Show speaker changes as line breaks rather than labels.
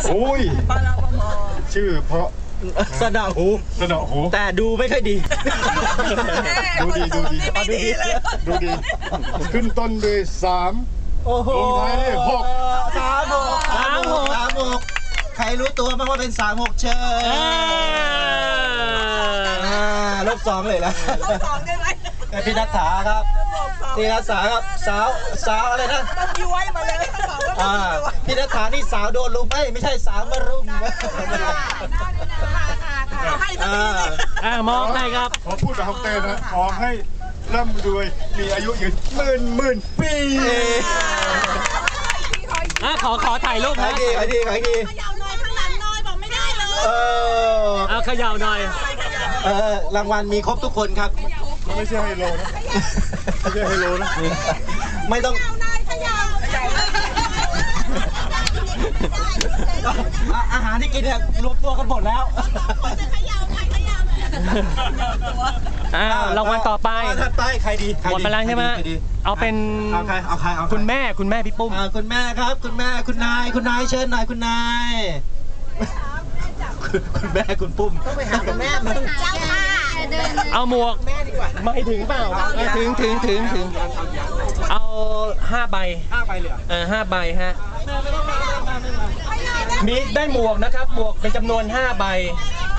โอ้ยชื่อเพราะ
สะเดาหู
สนอหู
แต่ดูไม่ค่อยดี
ดูดีดูดีดูดีขึ้นต้นด้วย3
โอ้โห
ลงท้ายด้วย6
36ใครรู้ตัวบ้างว่าเป็น36เชิญลบ2เลยละ
ลบ 2ได้ไหม
พี่นัทธาครับพี่นัทธาครับสาวอะไรนะ
ต้องย้วยมาเลยบอกว่าต้องย้วย
พี่นัทธานี่สาวโดนลุมไม่ใช่สาวมารุม
ให้ทั้งนี้เลย
มองให้ครับ
ขอพูดแบบฮอกเต้นะขอให้ร่ำรวยมีอายุยืนหมื่นปี
ขอถ่ายรูป
ขายดี
ขยาวน้อยข้างหลังน้อยบอกไม่ได้เลย
เอาเขย่าหน่อย
รางวัลมีครบทุกคนครับ
มันไม่ใช่ไฮโลนะไม่ใช่ไฮโลนะ
ไม่ต้อง
ขยาว
อาหารที่กินเนี่ยรวมตัวกันหมดแล้ว
ขยาวใครขยาว
รางวัลต่อไป
ถัดไปใครดี
หมดไปแล้วใช่ไหมเอาเป็น
เอาใคร
คุณแม่พี่ปุ้ม
คุณแม่ครับคุณนายเชิญหน่อยคุณนายคุณแม่คุณปุ้มต้องไปหาคุณแม่มึง
เจ้าค่ะ
เอาหมวกไม่ถึงเปล่าถึงเอา5 ใบ
5 ไปเลย
5 ใบฮะมีได้หมวกนะครับหมวกเป็นจำนวน5 ใบ